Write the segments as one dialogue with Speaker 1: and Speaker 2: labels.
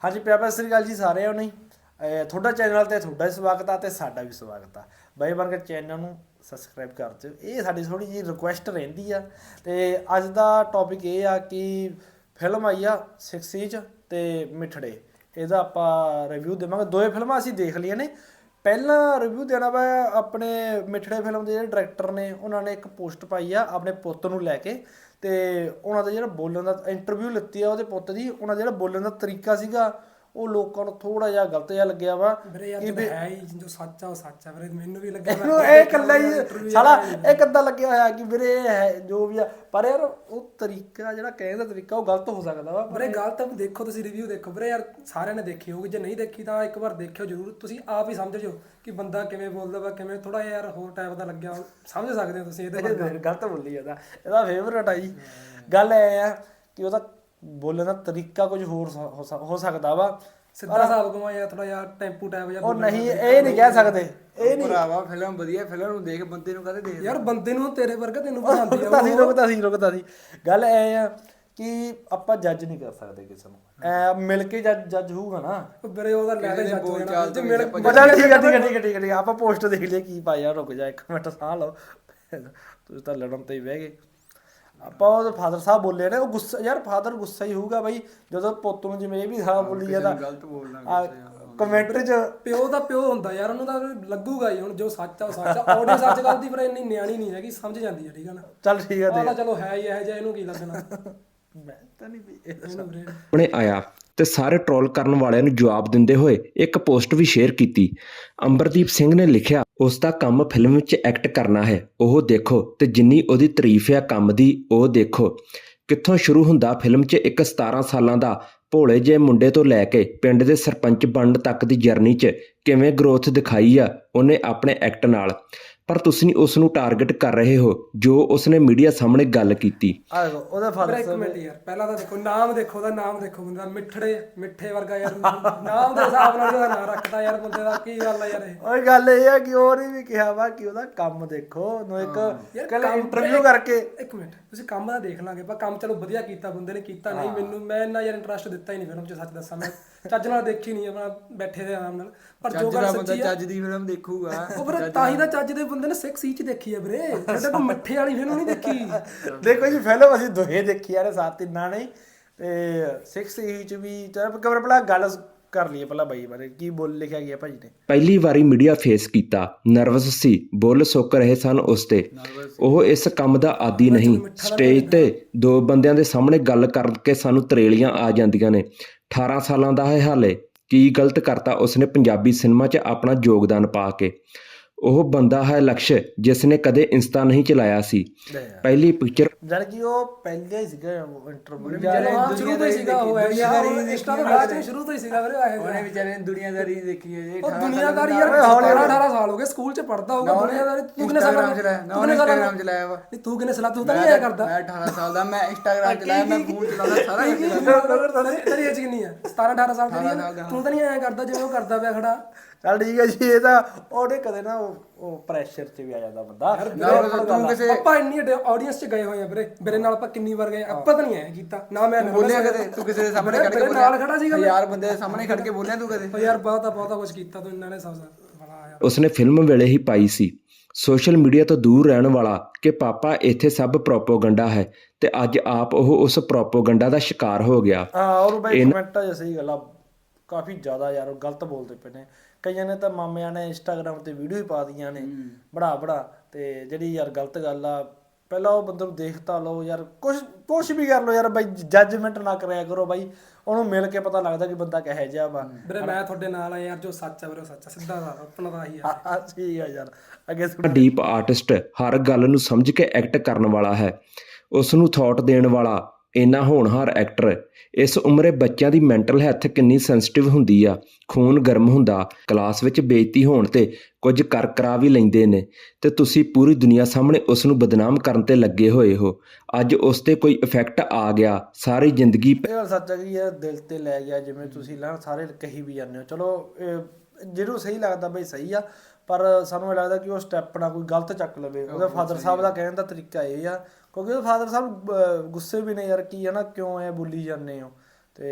Speaker 1: ਹਾਂਜੀ ਪਿਆਰ ਸਤਿ ਸ੍ਰੀ ਅਕਾਲ ਜੀ ਸਾਰਿਆਂ ਨੂੰ ਤੁਹਾਡਾ ਚੈਨਲ ਤੇ ਤੁਹਾਡਾ ਵੀ ਸਵਾਗਤ ਆ ਤੇ ਸਾਡਾ ਵੀ ਸਵਾਗਤ ਆ ਬਾਈ ਬਣ ਕੇ ਚੈਨਲ ਨੂੰ ਸਬਸਕ੍ਰਾਈਬ ਕਰ ਦਿਓ। ਇਹ ਸਾਡੀ ਥੋੜੀ ਜਿਹੀ ਰਿਕੁਐਸਟ ਰਹਿੰਦੀ ਆ ਤੇ ਅੱਜ ਦਾ ਟੌਪਿਕ ਇਹ ਆ ਕਿ ਫਿਲਮ ਆਈ ਆ 6 ਇੰਚ ਤੇ ਮਿੱਠੜੇ। ਇਹਦਾ ਆਪਾਂ ਰਿਵਿਊ ਦੇਵਾਂਗੇ। ਦੋਵੇਂ ਫਿਲਮਾਂ ਅਸੀਂ ਦੇਖ ਲਈਆਂ ਨੇ। ਪਹਿਲਾਂ ਰਿਵਿਊ ਦੇਣਾ ਵਾ ਆਪਣੇ ਮਿੱਠੜੇ ਫਿਲਮ ਦੇ ਜਿਹੜੇ ਡਾਇਰੈਕਟਰ ਨੇ ਉਹਨਾਂ ਨੇ ਇੱਕ ਪੋਸਟ ਪਾਈ ਆ ਆਪਣੇ ਪੁੱਤ ਨੂੰ ਲੈ ਕੇ ਤੇ ਉਹਨਾਂ ਦਾ ਜਿਹੜਾ ਬੋਲਣ ਦਾ ਇੰਟਰਵਿਊ ਲਿੱਤੀ ਆ ਉਹਦੇ ਪੁੱਤ ਦੀ। ਉਹਨਾਂ ਦਾ ਜਿਹੜਾ ਬੋਲਣ ਦਾ ਤਰੀਕਾ ਸੀਗਾ ਉਹ ਲੋਕਾਂ ਨੂੰ ਥੋੜਾ ਜਿਹਾ ਗਲਤ ਜਿਹਾ ਲੱਗਿਆ ਵਾ
Speaker 2: ਕਿ ਹੈ ਹੀ ਜੋ ਸੱਚ ਆ ਉਹ ਸੱਚ ਆ ਵੀਰੇ। ਮੈਨੂੰ ਵੀ ਲੱਗਿਆ
Speaker 1: ਇਹ ਇਕੱਲਾ ਹੀ ਸਾਲਾ ਇਹ ਕਿੱਦਾਂ ਲੱਗਿਆ ਹੋਇਆ ਕਿ ਵੀਰੇ ਇਹ ਹੈ ਜੋ ਵੀ ਆ, ਪਰ ਯਾਰ ਉਹ ਤਰੀਕਾ ਜਿਹੜਾ ਕਹਿਣ ਦਾ ਤਰੀਕਾ ਉਹ ਗਲਤ ਹੋ ਸਕਦਾ ਵਾ।
Speaker 2: ਵੀਰੇ ਗਲਤ ਦੇਖੋ, ਤੁਸੀਂ ਰਿਵਿਊ ਦੇਖੋ ਵੀਰੇ। ਯਾਰ ਸਾਰਿਆਂ ਨੇ ਦੇਖੀ ਹੋਊਗੀ, ਜੇ ਨਹੀਂ ਦੇਖੀ ਤਾਂ ਇੱਕ ਵਾਰ ਦੇਖਿਓ ਜ਼ਰੂਰ। ਤੁਸੀਂ ਆਪ ਹੀ ਸਮਝ ਜਾਓ ਕਿ ਬੰਦਾ ਕਿਵੇਂ ਬੋਲਦਾ ਵਾ, ਕਿਵੇਂ ਥੋੜਾ ਯਾਰ ਹੋਰ ਟਾਈਪ ਦਾ ਲੱਗਿਆ ਸਮਝ ਸਕਦੇ ਹੋ ਤੁਸੀਂ। ਇਹਦੇ
Speaker 1: ਗਲਤ ਬੋਲੀ ਜਾਂਦਾ, ਇਹਦਾ ਫੇਵਰਟ ਆ ਜੀ। ਗੱਲ ਇਹ ਆ ਕਿ ਉਹਦਾ ਬੋਲਣ ਦਾ ਤਰੀਕਾ ਕੁਝ ਹੋਰ ਹੋ ਸਕਦਾ ਵਾ।
Speaker 2: ਸਿੱਧਾ ਹਿਸਾਬ ਕਮਾਇਆ ਥੋੜਾ ਯਾਰ ਟੈਂਪੂ ਟਾਈਪ ਜਾਂ
Speaker 1: ਉਹ ਨਹੀਂ, ਇਹ ਨਹੀਂ ਕਹਿ ਸਕਦੇ। ਇਹ ਨਹੀਂ
Speaker 3: ਭਰਾਵਾ ਫਿਲਮ ਵਧੀਆ, ਫਿਲਮ ਨੂੰ ਦੇਖ ਬੰਦੇ ਨੂੰ ਕਦੇ ਦੇਖ
Speaker 2: ਯਾਰ ਬੰਦੇ ਨੂੰ ਤੇਰੇ ਵਰਗਾ ਤੈਨੂੰ ਪਸੰਦ
Speaker 1: ਰੁਕਦਾ ਸੀ। ਗੱਲ ਇਹ ਆ ਕਿ ਆਪਾਂ ਜੱਜ ਨਹੀਂ ਕਰ ਸਕਦੇ ਕਿਸੇ ਨੂੰ। ਐ ਮਿਲ ਕੇ ਜੱਜ ਹੋਊਗਾ ਨਾ
Speaker 2: ਵੀਰੇ। ਉਹਦਾ ਲੈ ਕੇ ਜੱਜ
Speaker 3: ਬੋਲ ਚਾਲ ਤੋਂ
Speaker 1: ਠੀਕ ਆ। ਆਪਾਂ ਪੋਸਟ ਦੇਖ ਲਿਆ ਕੀ ਪਾਇਆ। ਰੁਕ ਜਾ ਇੱਕ ਮਿੰਟ, ਸਾਹ ਲਓ। ਤੁਸੀਂ ਤਾਂ ਲੜਨ ਤੇ ਹੀ ਬਹਿ ਗਏ। ਆਪਾਂ ਉਹ ਫਾਦਰ ਸਾਹਿਬ ਬੋਲੇ ਨੇ, ਉਹ ਗੁੱਸਾ ਯਾਰ ਫਾਦਰ ਗੁੱਸਾ ਹੀ ਹੋਊਗਾ ਬਾਈ ਜਦੋਂ ਪੁੱਤ ਨੂੰ ਜਿਵੇਂ ਇਹ ਵੀ ਸਾਹ ਬੋਲੀ ਜਾਂਦਾ
Speaker 3: ਗਲਤ ਬੋਲਣਾ।
Speaker 1: ਕਮੈਂਟਰੀ ਚ
Speaker 2: ਪਿਓ ਦਾ ਪਿਓ ਹੁੰਦਾ ਯਾਰ, ਉਹਨੂੰ ਤਾਂ ਲੱਗੂਗਾ ਹੀ। ਹੁਣ ਜੋ ਸੱਚ ਆ ਉਹ ਸੱਚ ਆ। ਆਡੀਅנס ਅੱਜ ਕੱਲ੍ਹ ਦੀ ਪਰ ਇੰਨੀ ਨਿਆਣੀ ਨਹੀਂ ਹੈਗੀ, ਸਮਝ ਜਾਂਦੀ ਹੈ। ਠੀਕ ਆ ਨਾ।
Speaker 1: ਚੱਲ ਠੀਕ ਆ
Speaker 2: ਤਾਂ ਚਲੋ ਹੈ ਹੀ ਇਹੋ ਜਿਹਾ, ਇਹਨੂੰ ਕੀ ਲੱਗਣਾ।
Speaker 1: ਮੈਂ ਤਾਂ ਨਹੀਂ
Speaker 4: ਉਹਨੇ ਆਇਆ ਤੇ ਸਾਰੇ ਟ੍ਰੋਲ ਕਰਨ ਵਾਲਿਆਂ ਨੂੰ ਜਵਾਬ ਦਿੰਦੇ ਹੋਏ ਇੱਕ ਪੋਸਟ ਵੀ ਸ਼ੇਅਰ ਕੀਤੀ। ਅੰਬਰਦੀਪ ਸਿੰਘ ਨੇ ਲਿਖਿਆ, ਉਸ ਦਾ ਕੰਮ ਫਿਲਮ ਵਿੱਚ ਐਕਟ ਕਰਨਾ ਹੈ, ਉਹ ਦੇਖੋ। ਤੇ ਜਿੰਨੀ ਉਹਦੀ ਤਾਰੀਫ ਹੈ ਕੰਮ ਦੀ ਉਹ ਦੇਖੋ। ਕਿੱਥੋਂ ਸ਼ੁਰੂ ਹੁੰਦਾ ਫਿਲਮ 'ਚ ਇੱਕ 17 ਸਾਲਾਂ ਦਾ ਭੋਲੇ ਜਿਹੇ ਮੁੰਡੇ ਤੋਂ ਲੈ ਕੇ ਪਿੰਡ ਦੇ ਸਰਪੰਚ ਬਣਨ ਤੱਕ ਦੀ ਜਰਨੀ 'ਚ ਕਿਵੇਂ ਗਰੋਥ ਦਿਖਾਈ ਆ ਉਹਨੇ ਆਪਣੇ ਐਕਟ ਨਾਲ। ਪਰ ਤੁਸੀਂ ਉਸ ਨੂੰ ਟਾਰਗੇਟ ਕਰ ਰਹੇ ਹੋ ਜੋ ਉਸਨੇ ਮੀਡੀਆ ਸਾਹਮਣੇ ਗੱਲ ਕੀਤੀ।
Speaker 1: ਉਹਦਾ ਫਾਦਰ
Speaker 2: ਇੱਕ ਮਿੰਟ ਯਾਰ, ਪਹਿਲਾਂ ਤਾਂ ਦੇਖੋ ਨਾਮ ਦੇਖੋ, ਉਹਦਾ ਨਾਮ ਦੇਖੋ। ਬੰਦਾ ਮਿੱਠੇ ਵਰਗਾ ਯਾਰ, ਨਾਮ ਦੇ ਹਿਸਾਬ ਨਾਲ ਉਹਦਾ ਨਾਮ ਰੱਖਦਾ ਯਾਰ ਬੰਦੇ ਦਾ। ਕੀ ਗੱਲ ਆ ਯਾਰ ਇਹ?
Speaker 1: ਉਹ ਗੱਲ ਇਹ ਆ ਕਿ ਉਹਨੇ ਵੀ ਕਿਹਾ ਵਾ ਕਿ ਉਹਦਾ ਕੰਮ ਦੇਖੋ। ਉਹਨੂੰ ਇੱਕ ਕੱਲ ਇੰਟਰਵਿਊ ਕਰਕੇ
Speaker 2: ਇੱਕ ਮਿੰਟ ਤੁਸੀਂ ਕੰਮ ਦਾ ਦੇਖ ਲਾਂਗੇ। ਪਰ ਕੰਮ ਚਲੋ ਵਧੀਆ ਕੀਤਾ ਬੰਦੇ ਨੇ ਕੀਤਾ। ਨਹੀਂ ਮੈਂ ਇੰਨਾ ਯਾਰ ਇੰਟਰਸਟ ਦਿੱਤਾ ਹੀ ਨਹੀਂ ਫਿਲਮ 'ਚ, ਸੱਚ ਦੱਸਾਂ। ਮੈਂ ਚੱਜ ਨਾਲ ਦੇਖੀ ਨਹੀਂ, ਆਪਣਾ ਬੈਠੇ ਦੇ ਆਰਾਮ ਨਾਲ। ਪਰ ਜੋ ਗੱਲ ਸੱਚੀ ਆ,
Speaker 3: ਚੱਜ ਦੀ ਫਿਲਮ ਦੇਖੂਗਾ
Speaker 2: ਉਹ ਵੀਰੇ ਤਾਂ ਹੀ ਤਾਂ ਚੱਜ ਦੇ ਬੰਦੇ ਨੇ 6 ਇੰਚ ਦੇਖੀ ਆ ਵੀਰੇ। ਸਾਡੇ ਕੋਲ ਮੱਠੇ ਵਾਲੀ ਫਿਲਮ ਨਹੀਂ ਦੇਖੀ।
Speaker 1: ਦੇਖੋ ਜੀ ਫਿਲਮ ਅਸੀਂ ਦੋਹੇ ਦੇਖੀ ਯਾਰ, ਸਾਥ ਤਿੰਨਾਂ ਨੇ। ਤੇ 6 ਇੰਚ ਵੀ ਕਮਰ ਪਹਿਲਾਂ ਗੱਲ ਕਰ ਲਈਏ ਪਹਿਲਾਂ ਬਾਈ ਬਾਰੇ ਕੀ ਬੋਲ ਲਿਖਿਆ ਗਿਆ ਭਾਜੀ ਨੇ।
Speaker 4: ਪਹਿਲੀ ਵਾਰੀ ਮੀਡੀਆ ਫੇਸ ਕੀਤਾ, ਨਰਵਸ ਸੀ, ਬੁੱਲ ਸੁੱਕ ਰਹੇ ਸਨ ਉਸ ਤੇ। ਉਹ ਇਸ ਕੰਮ ਦਾ ਆਦੀ ਨਹੀਂ। ਸਟੇਜ ਤੇ ਦੋ ਬੰਦਿਆਂ ਦੇ ਸਾਹਮਣੇ ਗੱਲ ਕਰਕੇ ਸਾਨੂੰ ਤਰੇਲੀਆਂ ਆ ਜਾਂਦੀਆਂ ਨੇ। 18 ਸਾਲਾਂ ਦਾ ਹੈ ਹਾਲੇ। ਕੀ ਗਲਤ ਕਰਤਾ ਉਸਨੇ ਪੰਜਾਬੀ ਸਿਨੇਮਾ 'ਚ ਆਪਣਾ ਯੋਗਦਾਨ ਪਾ ਕੇ? ਉਹ ਬੰਦਾ ਹੈ ਲਕਸ਼ ਜਿਸ ਨੇ ਕਦੇ ਇੰਸਟਾ ਨਹੀਂ ਚਲਾਇਆ ਸੀ। ਪਹਿਲੀ ਪਿਕਚਰ
Speaker 1: ਜਦ ਕਿ ਉਹ ਪਹਿਲੇ ਹੀ ਸੀਗਾ ਇੰਟਰਵਿਊ
Speaker 2: ਸ਼ੁਰੂ ਤੋਂ ਹੀ ਸੀਗਾ। ਉਹ ਇੰਸਟਾ ਤੋਂ ਬਾਅਦ ਸ਼ੁਰੂ ਤੋਂ ਹੀ ਸੀਗਾ ਵੀਰੇ।
Speaker 3: ਉਹਨੇ ਵਿਚਾਰੇ ਨੇ ਦੁਨੀਆਦਾਰੀ ਦੇਖੀ ਹੈ ਜੀ।
Speaker 2: ਉਹ ਦੁਨੀਆਦਾਰੀ ਯਾਰ 18 ਸਾਲ ਹੋ ਗਏ, ਸਕੂਲ 'ਚ ਪੜਦਾ ਹੋਊਗਾ। ਦੁਨੀਆਦਾਰੀ ਤੂੰ ਕਿੰਨੇ ਸਾਲ
Speaker 3: ਇੰਸਟਾਗ੍ਰਾਮ ਚਲਾਇਆ ਵਾ?
Speaker 2: ਨਹੀਂ ਤੂੰ ਕਿੰਨੇ ਸਾਲ? ਤੂੰ ਤਾਂ ਨਹੀਂ ਆਇਆ ਕਰਦਾ।
Speaker 3: ਮੈਂ 18 ਸਾਲ ਦਾ, ਮੈਂ ਇੰਸਟਾਗ੍ਰਾਮ ਚਲਾਇਆ, ਮੈਂ ਫੋਨ ਚਲਾਉਂਦਾ ਸਾਰਾ।
Speaker 2: ਤੇਰੀ ਏਜ ਕਿੰਨੀ ਆ? 17-18 ਸਾਲ ਦੀ। ਤੂੰ ਤਾਂ ਨਹੀਂ ਆਇਆ ਕਰਦਾ ਜਿਵੇਂ ਉਹ ਕਰਦਾ ਪਿਆ ਖੜਾ।
Speaker 1: ਚੱਲ ਠੀਕ ਹੈ ਜੀ। ਇਹ ਤਾਂ ਉਹਦੇ ਕਦੇ ਨਾ ਉਹ ਪ੍ਰੈਸ਼ਰ 'ਚ ਵੀ ਆ ਜਾਂਦਾ ਬੰਦਾ।
Speaker 2: ਆਪਾਂ ਇੰਨੀ ਆਡੀਅנס 'ਚ ਗਏ ਹੋਏ ਆ ਵੀਰੇ। ਮੇਰੇ ਨਾਲ ਆਪਾਂ ਕਿੰਨੀ ਵਾਰ ਗਏ, ਆਪਾਂ ਤਾਂ ਨਹੀਂ ਆਇਆ ਕੀਤਾ ਨਾ। ਮੈਂ
Speaker 3: ਬੋਲਿਆ ਕਦੇ ਤੂੰ ਕਿਸੇ ਦੇ ਸਾਹਮਣੇ ਖੜ ਕੇ?
Speaker 2: ਨਾਲ ਖੜਾ ਸੀਗਾ
Speaker 3: ਯਾਰ ਬੰਦੇ ਦੇ ਸਾਹਮਣੇ ਖੜ ਕੇ ਬੋਲਿਆ ਤੂੰ ਕਦੇ?
Speaker 2: ਯਾਰ ਬਹੁਤਾ ਕੁਝ ਕੀਤਾ ਤੂੰ। ਇਹਨਾਂ ਨੇ ਸਭ ਬੜਾ ਆਇਆ।
Speaker 4: ਉਸਨੇ ਫਿਲਮ ਵੇਲੇ ਹੀ ਪਾਈ ਸੀ। ਸੋਸ਼ਲ ਮੀਡੀਆ ਤੋਂ ਦੂਰ ਰਹਿਣ ਵਾਲਾ ਕਿ ਪਾਪਾ ਇੱਥੇ ਸਭ ਪ੍ਰੋਪੋਗੰਡਾ ਹੈ ਤੇ ਅੱਜ ਆਪ ਉਹ ਉਸ ਪ੍ਰੋਪੋਗੰਡਾ ਦਾ ਸ਼ਿਕਾਰ ਹੋ ਗਿਆ।
Speaker 1: ਔਰ ਬਾਈ ਕਮੈਂਟਾਂ 'ਚ ਸਹੀ ਗੱਲ ਆ, ਕਾਫੀ ਜ਼ਿਆਦਾ ਯਾਰ ਉਹ ਗਲਤ ਬੋਲਦੇ ਪਏ ਨੇ। ਕਈਆਂ ਨੇ ਤਾਂ ਮਾਮਿਆਂ ਨੇ ਇੰਸਟਾਗ੍ਰਾਮ ਤੇ ਵੀਡੀਓ ਹੀ ਪਾ ਦੀਆਂ ਨੇ ਬੜਾ ਤੇ ਜਿਹੜੀ ਯਾਰ ਗਲਤ ਗੱਲ ਆ। ਪਹਿਲਾਂ ਉਹ ਬੰਦੇ ਨੂੰ ਦੇਖ ਤਾਂ ਲਓ ਯਾਰ, ਕੁਛ ਵੀ ਕਰ ਲਓ ਯਾਰ ਬਾਈ। ਜੱਜਮੈਂਟ ਨਾ ਕਰਿਆ ਕਰੋ ਬਾਈ। ਉਹਨੂੰ ਮਿਲ ਕੇ ਪਤਾ ਲੱਗਦਾ ਕਿ ਬੰਦਾ ਕਿਹੋ ਜਿਹਾ ਵਾ।
Speaker 2: ਵੀਰੇ ਮੈਂ ਤੁਹਾਡੇ ਨਾਲ ਆ ਯਾਰ। ਜੋ ਸੱਚ ਆ ਵੀਰੇ ਸੱਚ ਆ, ਸਿੱਧਾ ਆਪਣਾ ਤਾਂ ਆਹੀ ਆ।
Speaker 1: ਠੀਕ ਆ ਯਾਰ। ਅੱਗੇ
Speaker 4: ਡੀਪ ਆਰਟਿਸਟ ਹਰ ਗੱਲ ਨੂੰ ਸਮਝ ਕੇ ਐਕਟ ਕਰਨ ਵਾਲਾ ਹੈ। ਉਸ ਨੂੰ ਥਾਟ ਦੇਣ ਵਾਲਾ ਇੰਨਾ ਹੋਣਹਾਰ ਐਕਟਰ। ਇਸ ਉਮਰੇ ਬੱਚਿਆਂ ਦੀ ਮੈਂਟਲ ਹੈਲਥ ਕਿੰਨੀ ਸੈਂਸਿਟਿਵ ਹੁੰਦੀ ਆ। ਖੂਨ ਗਰਮ ਹੁੰਦਾ। ਕਲਾਸ ਵਿੱਚ ਬੇਇੱਜ਼ਤੀ ਹੋਣ ਤੇ ਕੁਝ ਕਰਾ ਵੀ ਲੈਂਦੇ ਨੇ ਤੇ ਤੁਸੀਂ ਪੂਰੀ ਦੁਨੀਆ ਸਾਹਮਣੇ ਉਸ ਨੂੰ ਬਦਨਾਮ ਕਰਨ ਤੇ ਲੱਗੇ ਹੋਏ ਹੋ। ਅੱਜ ਉਸ ਤੇ ਕੋਈ ਇਫੈਕਟ ਆ ਗਿਆ, ਸਾਰੀ ਜ਼ਿੰਦਗੀ
Speaker 1: ਇਹ ਗੱਲ ਸੱਚ ਹੈ ਕਿ ਯਾਰ ਦਿਲ ਤੇ ਲੈ ਗਿਆ। ਜਿਵੇਂ ਤੁਸੀਂ ਸਾਰੇ ਕਹੀ ਵੀ ਜਾਂਦੇ ਹੋ। ਚਲੋ ਜਿਹਨੂੰ ਸਹੀ ਲੱਗਦਾ ਬਈ ਸਹੀ ਆ, ਪਰ ਸਾਨੂੰ ਇਹ ਲੱਗਦਾ ਕਿ ਉਹ ਸਟੈਪ ਨਾ ਕੋਈ ਗਲਤ ਚੱਕ ਲਵੇ। ਉਹਦੇ ਫਾਦਰ ਸਾਹਿਬ ਦਾ ਕਹਿਣ ਦਾ ਤਰੀਕਾ ਇਹ ਆ, ਕਿਉਂਕਿ ਉਹ ਫਾਦਰ ਸਾਹਿਬ ਗੁੱਸੇ ਵੀ ਨੇ ਯਾਰ ਕੀ ਹੈ ਨਾ, ਕਿਉਂ ਐ ਬੋਲੀ ਜਾਂਦੇ ਹੋ। ਤੇ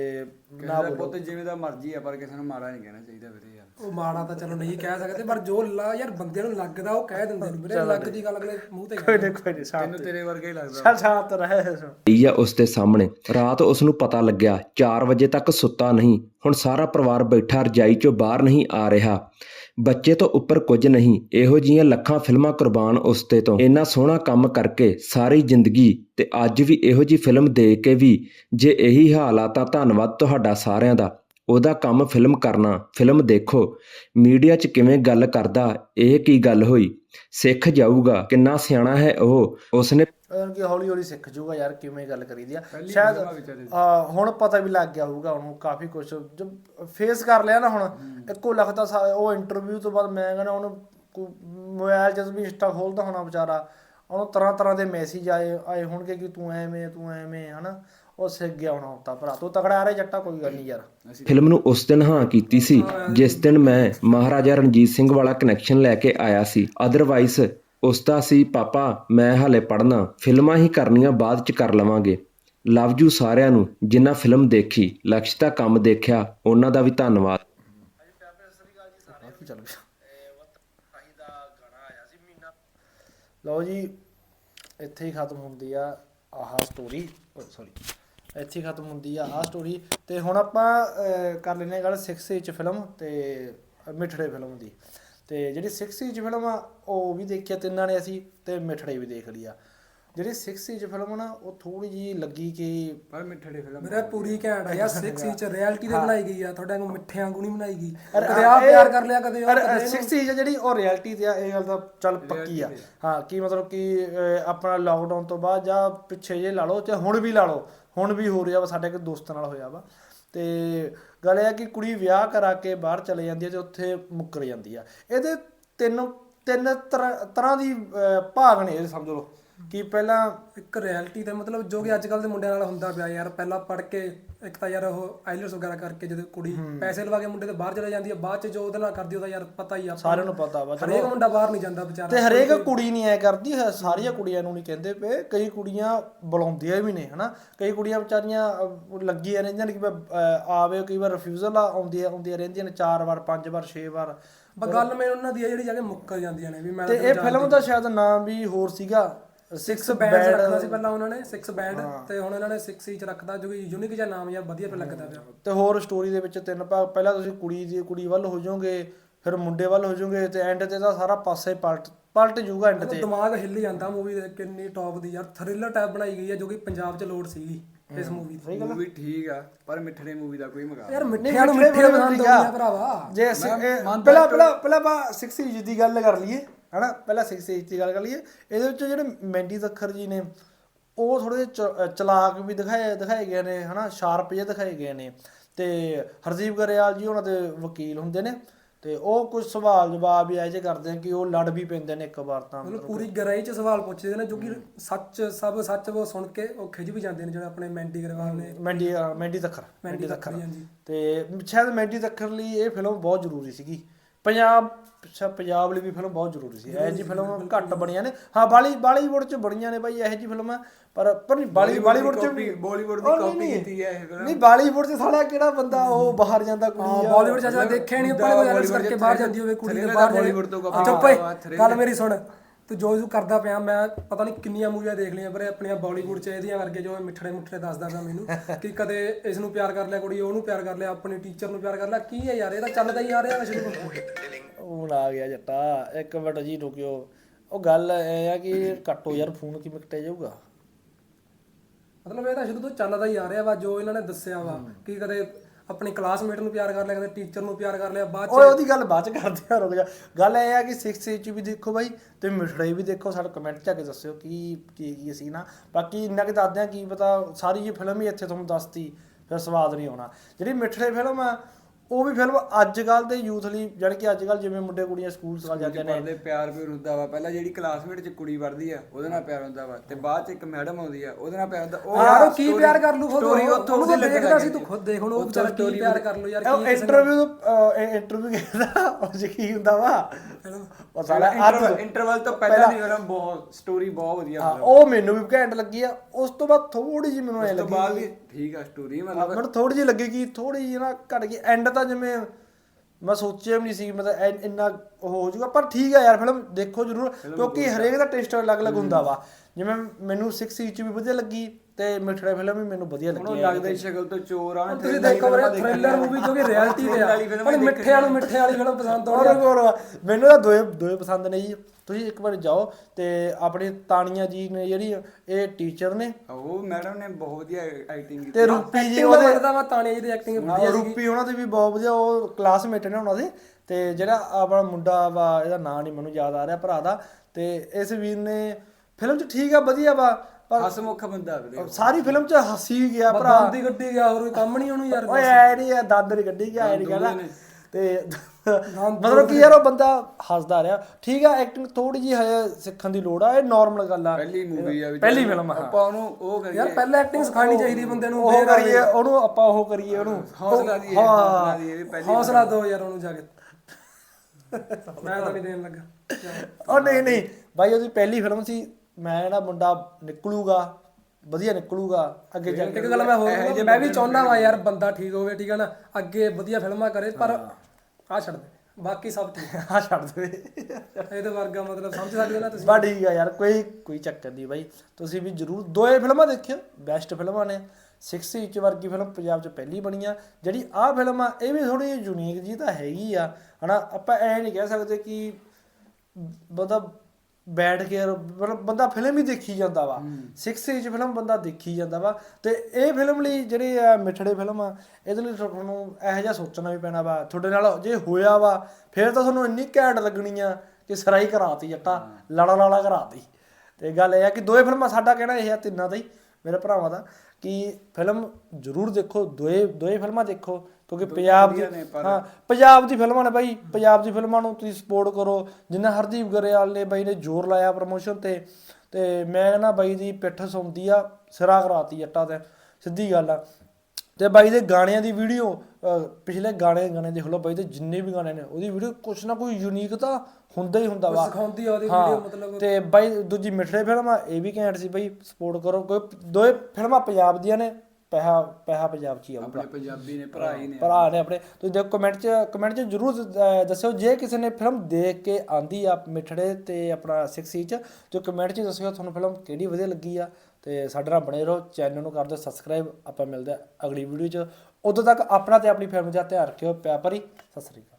Speaker 1: ਨਾ ਬੋਲੋ।
Speaker 3: ਪੁੱਤ ਜਿਵੇਂ ਦਾ ਮਰਜ਼ੀ ਆ ਪਰ ਕਿਸੇ ਨੂੰ ਮਾੜਾ ਨਹੀਂ ਕਹਿਣਾ ਚਾਹੀਦਾ ਵੀਰੇ ਯਾਰ।
Speaker 2: ਉਹ ਮਾੜਾ ਤਾਂ ਚਲੋ ਨਹੀਂ ਕਹਿ ਸਕਦੇ, ਪਰ ਜੋ ਯਾਰ ਬੰਦੇ ਨੂੰ ਲੱਗਦਾ ਉਹ ਕਹਿ ਦਿੰਦੇ ਨੇ ਵੀਰੇ, ਲੱਗ ਦੀ ਗੱਲ ਅਗਲੇ ਮੂੰਹ ਤੇ
Speaker 1: ਕੋਈ ਨਹੀਂ ਸ਼ਾਂਤ
Speaker 3: ਤੈਨੂੰ ਤੇਰੇ ਵਰਗਾ ਹੀ ਲੱਗਦਾ।
Speaker 1: ਚੱਲ ਸ਼ਾਂਤ ਰਹਿ
Speaker 4: ਪਈ ਆ ਉਸ ਦੇ ਸਾਹਮਣੇ। ਰਾਤ ਉਸ ਨੂੰ ਪਤਾ ਲੱਗਿਆ 4 ਵਜੇ ਤੱਕ ਸੁੱਤਾ ਨਹੀਂ। ਹੁਣ ਸਾਰਾ ਪਰਿਵਾਰ ਬੈਠਾ ਰਜਾਈ ਚੋਂ ਬਾਹਰ ਨਹੀਂ ਆ ਰਿਹਾ। ਬੱਚੇ ਤੋਂ ਉੱਪਰ ਕੁਝ ਨਹੀਂ। ਇਹੋ ਜਿਹੀਆਂ ਲੱਖਾਂ ਫਿਲਮਾਂ ਕੁਰਬਾਨ ਉਸਤੇ ਤੋਂ। ਇੰਨਾ ਸੋਹਣਾ ਕੰਮ ਕਰਕੇ ਸਾਰੀ ਜ਼ਿੰਦਗੀ ਤੇ ਅੱਜ ਵੀ ਇਹੋ ਜਿਹੀ ਫਿਲਮ ਦੇਖ ਕੇ ਵੀ ਜੇ ਇਹੀ ਹਾਲ ਆ ਤਾਂ ਧੰਨਵਾਦ ਤੁਹਾਡਾ ਸਾਰਿਆਂ ਦਾ। ਉਹਦਾ ਕੰਮ ਫਿਲਮ ਕਰਨਾ। ਫਿਲਮ ਦੇਖੋ ਮੀਡੀਆ 'ਚ ਕਿਵੇਂ ਗੱਲ ਕਰਦਾ, ਇਹ ਕੀ ਗੱਲ ਹੋਈ। ਸਿੱਖ ਜਾਊਗਾ, ਕਿੰਨਾ ਸਿਆਣਾ ਹੈ ਉਹ। ਉਸਨੇ
Speaker 1: ਕਿ ਹੌਲੀ ਹੌਲੀ ਸਿੱਖ ਜੂਗਾ ਯਾਰ ਕਿਵੇਂ ਗੱਲ ਕਰੀਦੀ ਆ। ਸ਼ਾਇਦ ਹੁਣ ਪਤਾ ਵੀ ਲੱਗ ਗਿਆ ਹੋਊਗਾ ਉਹਨੂੰ ਕਾਫੀ ਕੁਝ ਜਦ ਫੇਸ ਕਰ ਲਿਆ ਨਾ। ਹੁਣ ਇੱਕੋ ਲਖਤਾ ਉਹ ਇੰਟਰਵਿਊ ਤੋਂ ਬਾਅਦ ਮੈਂ ਕਹਿੰਦਾ ਉਹਨੂੰ ਮੋਬਾਈਲ ਜਦੋਂ ਵੀ ਇੰਸਟਾ ਖੋਲਦਾ ਹੋਣਾ ਵਿਚਾਰਾ, ਉਹਨੂੰ ਤਰ੍ਹਾਂ ਤਰ੍ਹਾਂ ਦੇ ਮੈਸੇਜ ਆਏ ਹੋਣਗੇ ਕਿ ਤੂੰ ਐਵੇਂ ਹਨਾ। ਉਹ ਸਿੱਖ ਗਿਆ ਹੋਣਾ ਤਾਂ ਭਰਾ ਤੂੰ ਤਕੜਾ ਆ ਰਿਹਾ ਜੱਟਾ, ਕੋਈ ਗੱਲ ਨਹੀਂ ਯਾਰ।
Speaker 4: ਫਿਲਮ ਨੂੰ ਉਸ ਦਿਨ ਹਾਂ ਕੀਤੀ ਸੀ ਜਿਸ ਦਿਨ ਮੈਂ ਮਹਾਰਾਜਾ ਰਣਜੀਤ ਸਿੰਘ ਵਾਲਾ ਕਨੈਕਸ਼ਨ ਲੈ ਕੇ ਆਇਆ ਸੀ। ਅਦਰਵਾਈਜ਼ ਉਸਦਾ ਸੀ ਪਾਪਾ ਮੈਂ ਹਾਲੇ ਪੜ੍ਹਨਾ, ਫਿਲਮਾਂ ਹੀ ਕਰਨੀਆਂ ਬਾਅਦ ਚ ਕਰ ਲਵਾਂਗੇ। ਲਵ ਯੂ ਸਾਰਿਆਂ ਨੂੰ ਜਿਨ੍ਹਾਂ ਫਿਲਮ ਦੇਖੀ। ਲਕਸ਼ ਦਾ ਕੰਮ ਦੇਖਿਆ ਉਹਨਾਂ ਦਾ ਵੀ ਧੰਨਵਾਦ।
Speaker 1: ਲਓ ਜੀ ਇੱਥੇ ਹੀ ਖਤਮ ਹੁੰਦੀ ਆ ਆਹ ਸਟੋਰੀ, ਇੱਥੇ ਹੀ ਖਤਮ ਹੁੰਦੀ ਆ ਆਹ ਸਟੋਰੀ। ਤੇ ਹੁਣ ਆਪਾਂ ਕਰ ਲੈਂਦੇ ਹਾਂ ਗੱਲ 6 ਇੰਚ ਫਿਲਮ ਤੇ ਮਿੱਠੜੇ ਫਿਲਮ ਦੀ। ਤੇ ਜਿਹੜੀ 6 ਇੰਚ ਫਿਲਮ ਆ ਉਹ ਵੀ ਦੇਖਿਆ ਤਿੰਨਾਂ ਨੇ ਅਸੀਂ, ਤੇ ਮਿੱਠੜੇ ਵੀ ਦੇਖ ਲਈ ਆ। ਜਿਹੜੀ 6 ਇੰਚ ਫਿਲਮ ਨਾ ਉਹ ਥੋੜੀ ਜਿਹੀ ਲੱਗੀ ਕਿ
Speaker 3: ਪਰ ਮਿੱਠੜੇ ਫਿਲਮ
Speaker 2: ਮੇਰਾ ਪੂਰੀ ਘੈਂਟ ਆ ਯਾਰ। 6 ਇੰਚ ਰਿਐਲਿਟੀ ਤੇ ਬਣਾਈ ਗਈ ਆ, ਤੁਹਾਡੇ ਵਾਂਗੂ ਮਿੱਠੇ ਵਾਂਗੂ ਨਹੀਂ ਬਣਾਈ ਗਈ। ਕਦੇ ਆਪ ਪਿਆਰ ਕਰ ਲਿਆ, ਕਦੇ
Speaker 1: 6 ਇੰਚ ਜਿਹੜੀ ਉਹ ਰਿਐਲਿਟੀ ਤੇ ਆ, ਇਹ ਗੱਲ ਤਾਂ ਚੱਲ ਪੱਕੀ ਆ। ਹਾਂ ਕੀ ਮਤਲਬ ਕਿ ਆਪਣਾ ਲਾਕਡਾਊਨ ਤੋਂ ਬਾਅਦ ਜਾਂ ਪਿੱਛੇ ਜੇ ਲਾ ਲਓ ਚਾਹੇ ਹੁਣ ਵੀ ਲਾ ਲਓ, ਹੁਣ ਵੀ ਹੋ ਰਿਹਾ ਵਾ। ਸਾਡੇ ਇੱਕ ਦੋਸਤ ਨਾਲ ਹੋਇਆ ਵਾ। ਤੇ ਗੱਲ ਇਹ ਆ ਕਿ ਕੁੜੀ ਵਿਆਹ ਕਰਾ ਕੇ ਬਾਹਰ ਚਲੇ ਜਾਂਦੀ ਹੈ ਤੇ ਉੱਥੇ ਮੁੱਕਰ ਜਾਂਦੀ ਆ। ਇਹਦੇ ਤਿੰਨ ਤਰ੍ਹਾਂ ਦੀ ਭਾਗ ਨੇ ਇਹ ਸਮਝ ਲਓ ਕਿ ਪਹਿਲਾਂ
Speaker 2: ਇੱਕ ਰਿਐਲਿਟੀ ਤੇ ਮਤਲਬ ਜੋ ਕਿ ਅੱਜ ਕੱਲ ਦੇ ਮੁੰਡਿਆਂ ਨਾਲ ਹੁੰਦਾ ਪਿਆ ਯਾਰ। ਪਹਿਲਾਂ ਪੜ੍ਹ ਕੇ ਇੱਕ ਤਾਂ ਯਾਰ ਉਹ ਆਈਲੈਟਸ ਵਗੈਰਾ ਕਰਕੇ ਜਦੋਂ ਕੁੜੀ ਪੈਸੇ ਲਵਾ ਕੇ ਮੁੰਡੇ ਤੇ ਬਾਹਰ ਚਲੇ ਜਾਂਦੀ ਹੈ, ਬਾਅਦ ਚ ਜੋ ਉਹਦੇ ਨਾਲ ਕਰਦੀ ਉਹਦਾ ਯਾਰ ਪਤਾ ਹੀ ਆ
Speaker 1: ਸਾਰਿਆਂ ਨੂੰ ਪਤਾ ਵਾ।
Speaker 2: ਹਰੇਕ ਮੁੰਡਾ ਬਾਹਰ ਨਹੀਂ ਜਾਂਦਾ ਵਿਚਾਰਾ,
Speaker 1: ਤੇ ਹਰੇਕ ਕੁੜੀ ਨਹੀਂ ਐ ਕਰਦੀ। ਸਾਰੀਆਂ ਕੁੜੀਆਂ ਨੂੰ ਨਹੀਂ ਕਹਿੰਦੇ ਪਏ, ਕਈ ਕੁੜੀਆਂ ਬੁਲਾਉਂਦੀਆਂ ਵੀ ਨੇ ਹਨਾ। ਕਈ ਕੁੜੀਆਂ ਵਿਚਾਰੀਆਂ ਲੱਗੀਆਂ ਰਹਿੰਦੀਆਂ ਨੇ ਕਿ ਆਵੇ, ਕਈ ਵਾਰ ਰਿਫਿਊਜ਼ਲ ਆਉਂਦੀਆਂ ਰਹਿੰਦੀਆਂ ਨੇ 4 ਵਾਰ 5 ਵਾਰ 6 ਵਾਰ।
Speaker 2: ਗੱਲ ਮੈਂ ਉਹਨਾਂ ਦੀ ਜਿਹੜੀ ਜਾ ਕੇ ਮੁੱਕਰ ਜਾਂਦੀਆਂ ਨੇ ਵੀ ਮੈਂ।
Speaker 1: ਤੇ ਇਹ ਫਿਲਮ ਦਾ ਸ਼ਾਇਦ ਨਾਮ ਵੀ ਹੋਰ ਸੀਗਾ
Speaker 2: 6 ਬੈਂਡ ਰੱਖਣਾ ਸੀ ਪਹਿਲਾਂ ਉਹਨਾਂ ਨੇ, 6 ਬੈਂਡ, ਤੇ ਹੁਣ ਇਹਨਾਂ ਨੇ 6 ਇੰਚ ਰੱਖਦਾ ਜੋ ਕਿ ਯੂਨਿਕ ਜਿਹਾ ਨਾਮ ਯਾਰ ਵਧੀਆ ਪਿਆ ਲੱਗਦਾ ਪਿਆ।
Speaker 1: ਤੇ ਹੋਰ ਸਟੋਰੀ ਦੇ ਵਿੱਚ 3 ਭਾਗ। ਪਹਿਲਾਂ ਤੁਸੀਂ ਕੁੜੀ ਵੱਲ ਹੋ ਜਾਓਗੇ, ਫਿਰ ਮੁੰਡੇ ਵੱਲ ਹੋ ਜਾਓਗੇ, ਤੇ ਐਂਡ ਤੇ ਤਾਂ ਸਾਰਾ ਪਾਸੇ ਪਲਟ ਜੂਗਾ ਐਂਡ ਤੇ।
Speaker 2: ਦਿਮਾਗ ਹਿੱਲ ਜਾਂਦਾ ਮੂਵੀ ਦੇ, ਕਿੰਨੀ ਟੌਪ ਦੀ ਯਾਰ ਥ੍ਰਿਲਰ ਟਾਈਪ ਬਣਾਈ ਗਈ ਹੈ ਜੋ ਕਿ ਪੰਜਾਬ 'ਚ ਲੋੜ ਸੀਗੀ ਇਸ ਮੂਵੀ ਦੀ।
Speaker 3: ਮੂਵੀ ਠੀਕ ਆ ਪਰ ਮਿੱਠੜੇ ਮੂਵੀ ਦਾ ਕੋਈ ਮੁਕਾਬਲਾ
Speaker 2: ਯਾਰ ਮਿੱਠਿਆਂ ਨੂੰ ਮਿੱਠੇ ਪਸੰਦ ਆਉਂਦੇ ਭਰਾਵਾ।
Speaker 1: ਜੇ ਪਹਿਲਾਂ ਆਪਾਂ 6 ਇੰਚ ਦੀ ਗੱਲ ਕਰ ਲਈਏ ਹਨਾ, ਪਹਿਲਾਂ 6 ਇੰਚ ਦੀ ਗੱਲ ਕਰ ਲਈਏ। ਇਹਦੇ ਵਿੱਚ ਜਿਹੜੇ ਮੈਂਡੀ ਦੱਖਰ ਜੀ ਨੇ ਉਹ ਥੋੜੇ ਜਿਹੇ ਚਲਾਕ ਵੀ ਦਿਖਾਏ ਗਏ ਨੇ ਹਨਾ, ਸ਼ਾਰਪ ਜਿਹੇ ਦਿਖਾਏ ਗਏ ਨੇ। ਤੇ ਹਰਦੀਪ ਗਰੇਵਾਲ ਜੀ ਉਹਨਾਂ ਦੇ ਵਕੀਲ ਹੁੰਦੇ ਨੇ, ਤੇ ਉਹ ਕੁਝ ਸਵਾਲ ਜਵਾਬ ਵੀ ਇਹੋ ਜਿਹੇ ਕਰਦੇ ਨੇ ਕਿ ਉਹ ਲੜ ਵੀ ਪੈਂਦੇ ਨੇ ਇੱਕ ਵਾਰ ਤਾਂ।
Speaker 2: ਮਤਲਬ ਪੂਰੀ ਗਹਿਰਾਈ 'ਚ ਸਵਾਲ ਪੁੱਛਦੇ ਨੇ ਜੋ ਕਿ ਸਭ ਸੱਚ ਉਹ ਸੁਣ ਕੇ ਉਹ ਖਿਜ ਵੀ ਜਾਂਦੇ ਨੇ ਜਿਹੜੇ ਆਪਣੇ ਮੈਂਡੀ ਗਰੇਵਾਲ ਨੇ।
Speaker 1: ਮੈਂਡੀ ਦੱਖਰ
Speaker 2: ਹਾਂਜੀ।
Speaker 1: ਤੇ ਸ਼ਾਇਦ ਮੈਂਡੀ ਦੱਖਰ ਲਈ ਇਹ ਫਿਲਮ ਬਹੁਤ ਜ਼ਰੂਰੀ ਸੀਗੀ। ਪੰਜਾਬ ਲਈ ਵੀ ਫਿਲਮ ਬਹੁਤ ਜ਼ਰੂਰੀ ਸੀ। ਇਹੋ ਜਿਹੀ ਫਿਲਮ ਘੱਟ ਬਣੀਆਂ ਨੇ। ਹਾਂ ਬਾਲੀਵੁੱਡ 'ਚ ਬਣੀਆਂ ਨੇ ਬਾਈ ਇਹੋ ਜਿਹੀ ਫਿਲਮਾਂ, ਪਰ ਨਹੀਂ ਬਾਲੀਵੁੱਡ 'ਚ
Speaker 3: ਬਾਲੀਵੁੱਡ ਦੀ ਕਾਪੀ ਕੀਤੀ ਹੈ ਇਹ ਫਿਲਮ।
Speaker 1: ਨਹੀਂ ਬਾਲੀਵੁੱਡ 'ਚ ਸਾਲਾ ਕਿਹੜਾ ਬੰਦਾ ਉਹ ਬਾਹਰ ਜਾਂਦਾ ਕੁੜੀ ਆ।
Speaker 2: ਬਾਲੀਵੁੱਡ 'ਚ ਅਜਾ ਦੇਖਿਆ ਨਹੀਂ ਆਪਾਂ ਨੇ ਕੋਈ ਕਰਕੇ ਬਾਹਰ ਜਾਂਦੀ ਹੋਵੇ ਕੁੜੀ ਦੇ ਬਾਹਰ। ਚੁੱਪ ਓਏ ਗੱਲ ਮੇਰੀ ਸੁਣ ਤੂੰ ਜੋ ਕਰਦਾ ਪਿਆ। ਮੈਂ ਪਤਾ ਨਹੀਂ ਕਿੰਨੀਆਂ ਮੂਵੀਆਂ ਦੇਖ ਲਈਆਂ ਪਰ ਆਪਣੀਆਂ ਬਾਲੀਵੁੱਡ 'ਚ ਇਹਦੀਆਂ ਕਰਕੇ ਜੋ ਮਿੱਠੜੇ ਦੱਸਦਾ ਪਿਆ ਮੈਨੂੰ ਕਿ ਕਦੇ ਇਸ ਨੂੰ ਪਿਆਰ ਕਰ ਲਿਆ ਕੁੜੀ, ਉਹਨੂੰ ਪਿਆਰ ਕਰ ਲਿਆ, ਆਪਣੇ ਟੀਚਰ ਨੂੰ ਪਿਆਰ ਕਰ ਲਿਆ। ਕੀ ਹੈ ਯਾਰ ਇਹ ਤਾਂ ਚੱਲਦਾ ਹੀ ਆ ਰਿਹਾ ਸ਼ੁਰੂ ਤੋਂ।
Speaker 1: ਹੁਣ ਆ ਗਿਆ ਜੱਟਾ। ਇੱਕ ਮਿੰਟ ਜੀ ਰੁਕਿਓ। ਉਹ ਗੱਲ ਇਹ ਆ ਕਿ ਕੱਟੋ ਯਾਰ ਫੋਨ ਕਿਵੇਂ ਕੱਟਿਆ ਜਾਊਗਾ।
Speaker 2: ਮਤਲਬ ਇਹ ਤਾਂ ਸ਼ੁਰੂ ਤੋਂ ਚੱਲਦਾ ਹੀ ਆ ਰਿਹਾ ਵਾ ਜੋ ਇਹਨਾਂ ਨੇ ਦੱਸਿਆ ਵਾ ਕਿ ਕਦੇ ਆਪਣੀ ਕਲਾਸਮੇਟ ਨੂੰ ਪਿਆਰ ਕਰ ਲਿਆ, ਕਦੇ ਟੀਚਰ ਨੂੰ ਪਿਆਰ ਕਰ ਲਿਆ। ਬਾਅਦ
Speaker 1: ਓਏ ਉਹਦੀ ਗੱਲ ਬਾਅਦ ਚ ਕਰਦੇ ਆ, ਰੁਕ ਜਾ। ਗੱਲ ਇਹ ਆ ਕਿ 6 ਇੰਚ ਵੀ ਦੇਖੋ ਬਾਈ ਤੇ ਮਿੱਠੜੇ ਵੀ ਦੇਖੋ। ਸਾਡੇ ਕਮੈਂਟ 'ਚ ਆ ਕੇ ਦੱਸਿਓ ਕੀ ਸੀ ਨਾ। ਬਾਕੀ ਇੰਨਾ ਕਿ ਦੱਸਦੇ ਆ, ਕੀ ਪਤਾ ਸਾਰੀ ਇਹ ਫਿਲਮ ਹੀ ਇੱਥੇ ਤੁਹਾਨੂੰ ਦੱਸਤੀ ਫਿਰ ਸਵਾਦ ਨਹੀਂ ਆਉਣਾ। ਜਿਹੜੀ ਮਿੱਠੜੇ ਫਿਲਮ ਆ ਉਹ ਵੀ ਫਿਲਮ ਅੱਜ ਕੱਲ੍ਹ ਦੇ ਯੂਥ ਲਈ, ਜਾਣੀ ਕਿ ਅੱਜ ਕੱਲ੍ਹ ਜਿਵੇਂ ਮੁੰਡੇ ਕੁੜੀਆਂ ਸਕੂਲ ਜਾਂਦੇ ਨੇ
Speaker 3: ਪਿਆਰ ਹੁੰਦਾ ਵਾ। ਪਹਿਲਾਂ ਜਿਹੜੀ ਕਲਾਸਮੇਟ 'ਚ ਕੁੜੀ ਪੜ੍ਹਦੀ ਆ ਉਹਦੇ ਨਾਲ ਪਿਆਰ ਹੁੰਦਾ ਵਾ, ਤੇ ਬਾਅਦ 'ਚ ਇੱਕ ਮੈਡਮ ਆਉਂਦੀ ਆ ਉਹਦੇ ਨਾਲ ਪਿਆਰ ਹੁੰਦਾ। ਉਹ
Speaker 2: ਯਾਰ ਉਹ ਕੀ ਪਿਆਰ ਕਰ ਲੂ ਖੁਦ ਉਹਨੂੰ ਦੇਖਦਾ ਸੀ, ਤੂੰ ਖੁਦ ਦੇਖ ਹੁਣ ਉਹ ਵਿਚਾਰਾ ਕੀ ਪਿਆਰ ਕਰ ਲੂ ਯਾਰ।
Speaker 1: ਇੰਟਰਵਿਊ ਕਹਿੰਦਾ ਉਹ 'ਚ ਕੀ ਹੁੰਦਾ ਵਾ, ਉਹ ਸਾਲਾ
Speaker 3: ਇੰਟਰਵਲ ਤੋਂ ਪਹਿਲਾਂ ਦੀ ਫਿਲਮ ਬਹੁਤ ਸਟੋਰੀ ਬਹੁਤ ਵਧੀਆ
Speaker 1: ਹਾਂ ਉਹ ਮੈਨੂੰ ਵੀ ਘੈਂਟ ਲੱਗੀ ਆ। ਉਸ ਤੋਂ ਬਾਅਦ ਥੋੜੀ ਜਿਹੀ ਮੈਨੂੰ ਐ
Speaker 3: ਉਸ ਤੋਂ
Speaker 1: ਲੱਗੀ
Speaker 3: ਬਾਅਦ ਵੀ ਠੀਕ ਆ ਸਟੋਰੀ ਮਤਲਬ
Speaker 1: ਮੈਨੂੰ ਥੋੜੀ ਜਿਹੀ ਲੱਗੀ ਕਿ ਥੋੜੀ ਜਿਹੀ ਨਾ ਘਟ ਗਈ ਐਂਡ ਤਾਂ ਜਿਵੇਂ ਮੈਂ ਸੋਚਿਆ ਵੀ ਨਹੀਂ ਸੀ ਮਤਲਬ ਇੰਨਾ ਉਹ ਹੋ ਜਾਊਗਾ। ਪਰ ਠੀਕ ਆ ਯਾਰ ਫਿਲਮ ਦੇਖੋ ਜ਼ਰੂਰ ਕਿਉਂਕਿ ਹਰੇਕ ਦਾ ਟੇਸਟ ਅਲੱਗ-ਅਲੱਗ ਹੁੰਦਾ ਵਾ। ਜਿਵੇਂ ਮੈਨੂੰ 6 ਇੰਚ ਵੀ ਵਧੀਆ ਲੱਗੀ ਤੇ ਮਿੱਠੜੇ ਫਿਲਮ ਵੀ ਮੈਨੂੰ ਵਧੀਆ ਲੱਗੀ।
Speaker 3: ਉਹਨੂੰ ਲੱਗਦਾ ਸ਼ਕਲ ਤੋਂ ਚੋਰ ਆ
Speaker 2: ਤੁਸੀਂ ਦੇਖੋ ਵੀਰੇ ਥ੍ਰਿਲਰ ਮੂਵੀ ਜੋ ਕਿ ਰਿਐਲਿਟੀ ਤੇ ਆ ਹੁਣ ਮਿੱਠੇ ਵਾਲੀ ਫਿਲਮ ਪਸੰਦ ਆਉਂਦੀ
Speaker 1: ਮੈਨੂੰ ਤਾਂ ਦੋਏ ਪਸੰਦ ਨੇ ਜੀ। ਤੁਸੀਂ ਇੱਕ ਵਾਰ ਜਾਓ ਤੇ ਆਪਣੀ ਤਾਨੀਆ ਜੀ ਨੇ ਜਿਹੜੀ ਇਹ ਟੀਚਰ ਨੇ
Speaker 3: ਉਹ ਮੈਡਮ ਨੇ ਬਹੁਤ ਵਧੀਆ ਐਕਟਿੰਗ ਕੀਤੀ
Speaker 1: ਤੇ ਰੂਪੀ ਜੀ
Speaker 2: ਉਹਦੇ ਮੈਂ ਤਾਨੀਆ ਜੀ ਦੀ ਐਕਟਿੰਗ ਵਧੀਆ
Speaker 1: ਰੂਪੀ ਉਹਨਾਂ ਦੀ ਵੀ ਬਹੁਤ ਵਧੀਆ ਉਹ ਕਲਾਸਮੇਟ ਨੇ ਉਹਨਾਂ ਦੇ। ਤੇ ਜਿਹੜਾ ਆਪਣਾ ਮੁੰਡਾ ਵਾ ਇਹਦਾ ਨਾਂ ਨਹੀਂ ਮੈਨੂੰ ਯਾਦ ਆ ਰਿਹਾ ਭਰਾ ਦਾ। ਤੇ ਇਸ ਵੀਰ ਨੇ ਫਿਲਮ 'ਚ ਠੀਕ ਆ ਵਧੀਆ ਵਾ ਪਰ
Speaker 3: ਹਸਮੁਖ ਬੰਦਾ ਵੀਰੇ
Speaker 1: ਸਾਰੀ ਫਿਲਮ 'ਚ ਹੱਸੀ ਵੀ ਗਿਆ ਭਰਾ
Speaker 2: ਬੰਦੀ ਗੱਡੀ ਗਿਆ ਹੋਰ ਕੰਮ ਨਹੀਂ ਉਹਨੂੰ ਯਾਰ।
Speaker 1: ਓਏ ਐ ਨਹੀਂ ਆ ਦੰਦ ਨਹੀਂ ਕੱਢੀ ਗਿਆ ਐ ਨਹੀਂ ਕਹਿੰਦਾ ਤੇ ਮਤਲਬ ਕਿ ਯਾਰ ਉਹ ਬੰਦਾ ਹੱਸਦਾ ਰਿਹਾ ਠੀਕ ਆ। ਐਕਟਿੰਗ ਥੋੜੀ ਜਿਹੀ ਹਜੇ ਸਿੱਖਣ ਦੀ ਲੋੜ ਆ। ਇਹ ਨਾਰਮਲ ਗੱਲ ਆ
Speaker 3: ਪਹਿਲੀ ਮੂਵੀ ਆ
Speaker 1: ਪਹਿਲੀ ਫਿਲਮ ਆ
Speaker 3: ਆਪਾਂ ਉਹਨੂੰ ਉਹ ਕਰੀਏ
Speaker 2: ਯਾਰ ਪਹਿਲਾਂ ਐਕਟਿੰਗ ਸਿਖਾਣੀ ਚਾਹੀਦੀ ਬੰਦੇ ਨੂੰ।
Speaker 1: ਉਹ ਕਰੀਏ ਉਹਨੂੰ ਆਪਾਂ ਉਹ ਕਰੀਏ ਉਹਨੂੰ
Speaker 3: ਹੌਸਲਾ ਦੀ ਇਹ ਪਹਿਲੀ
Speaker 2: ਹੌਸਲਾ ਦਿਓ ਯਾਰ ਉਹਨੂੰ ਜਾ ਕੇ। ਮੈਂ ਤਾਂ ਨਹੀਂ ਦੇਣ ਲੱਗਾ।
Speaker 1: ਉਹ ਨਹੀਂ ਬਾਈ ਉਹਦੀ ਪਹਿਲੀ ਫਿਲਮ ਸੀ। ਮੈਂ ਜਿਹੜਾ ਮੁੰਡਾ ਨਿਕਲੂਗਾ ਵਧੀਆ ਨਿਕਲੂਗਾ ਅੱਗੇ ਜਾ ਕੇ।
Speaker 2: ਇੱਕ ਗੱਲ ਮੈਂ ਵੀ ਚਾਹੁੰਦਾ ਵਾ ਯਾਰ ਬੰਦਾ ਠੀਕ ਹੋਵੇ ਠੀਕ ਆ ਨਾ ਅੱਗੇ ਵਧੀਆ ਫਿਲਮਾਂ ਕਰੇ ਪਰ ਆ ਛੱਡ ਦੇ ਬਾਕੀ ਸਭ ਠੀਕ
Speaker 1: ਆ ਛੱਡ ਦੇ
Speaker 2: ਇਹਦੇ ਵਰਗਾ ਮਤਲਬ ਸਮਝ ਸਕਦੇ ਹੋ ਨਾ ਤੁਸੀਂ।
Speaker 1: ਬਾ ਠੀਕ ਆ ਯਾਰ ਕੋਈ ਚੱਕਰ ਨਹੀਂ ਬਾਈ। ਤੁਸੀਂ ਵੀ ਜ਼ਰੂਰ ਦੋਏ ਫਿਲਮਾਂ ਦੇਖਿਓ ਬੈਸਟ ਫਿਲਮਾਂ ਨੇ। 6 ਇੰਚ ਵਰਗੀ ਫਿਲਮ ਪੰਜਾਬ 'ਚ ਪਹਿਲੀ ਬਣੀ ਆ। ਜਿਹੜੀ ਆਹ ਫਿਲਮ ਆ ਇਹ ਵੀ ਥੋੜੀ ਜਿਹੀ ਯੂਨੀਕ ਜੀ ਤਾਂ ਹੈਗੀ ਆ ਹਨਾ। ਆਪਾਂ ਐ ਨਹੀਂ ਕਹਿ ਸਕਦੇ ਕਿ ਬੰਦਾ ਬੈਠ ਕੇ ਮਤਲਬ ਬੰਦਾ ਫਿਲਮ ਹੀ ਦੇਖੀ ਜਾਂਦਾ ਵਾ। 6 ਇੰਚ ਫਿਲਮ ਬੰਦਾ ਦੇਖੀ ਜਾਂਦਾ ਵਾ। ਤੇ ਇਹ ਫਿਲਮ ਲਈ ਜਿਹੜੀ ਆ ਮਿੱਠੜੇ ਫਿਲਮ ਆ ਇਹਦੇ ਲਈ ਤੁਹਾਨੂੰ ਇਹੋ ਜਿਹਾ ਸੋਚਣਾ ਵੀ ਪੈਣਾ ਵਾ। ਤੁਹਾਡੇ ਨਾਲ ਜੇ ਹੋਇਆ ਵਾ ਫਿਰ ਤਾਂ ਤੁਹਾਨੂੰ ਇੰਨੀ ਘੈਂਟ ਲੱਗਣੀ ਆ ਕਿ ਸਰਾਈ ਕਰਾਤੀ ਜੱਟਾ ਲਾਲਾ ਕਰਾਤੀ। ਤੇ ਗੱਲ ਇਹ ਆ ਕਿ ਦੋਏ ਫਿਲਮਾਂ ਸਾਡਾ ਕਹਿਣਾ ਇਹ ਆ ਤਿੰਨਾਂ ਦਾ ਹੀ ਮੇਰੇ ਭਰਾਵਾਂ ਦਾ ਕਿ ਫਿਲਮ ਜ਼ਰੂਰ ਦੇਖੋ ਦੋਏ ਫਿਲਮਾਂ ਦੇਖੋ ਕਿਉਂਕਿ ਪੰਜਾਬ ਦੀ ਪੰਜਾਬ ਦੀ ਫਿਲਮਾਂ ਨੇ ਬਾਈ। ਪੰਜਾਬ ਦੀ ਫਿਲਮਾਂ ਨੂੰ ਤੁਸੀਂ ਸਪੋਰਟ ਕਰੋ ਜਿੰਨਾ ਹਰਦੀਪ ਗਰੇਵਾਲ ਨੇ ਬਾਈ ਨੇ ਜ਼ੋਰ ਲਾਇਆ ਪ੍ਰਮੋਸ਼ਨ ਤੇ ਮੈਂ ਕਹਿੰਦਾ ਬਾਈ ਦੀ ਪਿੱਠ ਸੁਣਦੀ ਆ ਸਿਰਾ ਕਰਾਤੀ ਜੱਟਾ ਤੇ ਸਿੱਧੀ ਗੱਲ ਆ। ਤੇ ਬਾਈ ਦੇ ਗਾਣਿਆਂ ਦੀ ਵੀਡੀਓ ਪਿਛਲੇ ਗਾਣੇ ਦੇਖ ਲਓ ਬਾਈ ਦੇ ਜਿੰਨੇ ਵੀ ਗਾਣੇ ਨੇ ਉਹਦੀ ਵੀਡੀਓ ਕੁਛ ਨਾ ਕੋਈ ਯੂਨੀਕ ਤਾਂ ਹੁੰਦਾ ਹੀ ਹੁੰਦਾ ਵਾ
Speaker 2: ਸਿਖਾਉਂਦੀ ਆ ਉਹਦੀ ਵੀਡੀਓ ਮਤਲਬ।
Speaker 1: ਤੇ ਬਾਈ ਦੂਜੀ ਮਿੱਠੜੇ ਫਿਲਮ ਆ ਇਹ ਵੀ ਘੈਂਟ ਸੀ ਬਾਈ ਸਪੋਰਟ ਕਰੋ। ਕੋਈ ਦੋਏ ਫਿਲਮਾਂ ਪੰਜਾਬ ਦੀਆਂ ਨੇ ਪੈਸਾ ਪੰਜਾਬ 'ਚ ਹੀ ਆਊਗਾ।
Speaker 3: ਆਪਣੇ ਪੰਜਾਬੀ ਨੇ ਭਰਾ ਨੇ
Speaker 1: ਆਪਣੇ ਤੁਸੀਂ ਦੇਖੋ ਕਮੈਂਟ 'ਚ ਜ਼ਰੂਰ ਦੱਸਿਓ ਜੇ ਕਿਸੇ ਨੇ ਫਿਲਮ ਦੇਖ ਕੇ ਆਂਦੀ ਆ ਮਿੱਠੜੇ ਤੇ ਆਪਣਾ 6 ਇੰਚ ਜੋ ਕਮੈਂਟ 'ਚ ਦੱਸਿਓ ਤੁਹਾਨੂੰ ਫਿਲਮ ਕਿਹੜੀ ਵਧੀਆ ਲੱਗੀ ਆ। ਤੇ ਸਾਡੇ ਨਾਲ ਬਣੇ ਰਹੋ ਚੈਨਲ ਨੂੰ ਕਰ ਦਿਓ ਸਬਸਕ੍ਰਾਈਬ। ਆਪਾਂ ਮਿਲਦੇ ਅਗਲੀ ਵੀਡੀਓ 'ਚ। ਉਦੋਂ ਤੱਕ ਆਪਣਾ ਤੇ ਆਪਣੀ ਫੈਮਿਲੀ ਦਾ ਧਿਆਨ ਰੱਖਿਓ। ਪਿਆਰ ਭਰੀ ਸਤਿ ਸ੍ਰੀ ਅਕਾਲ।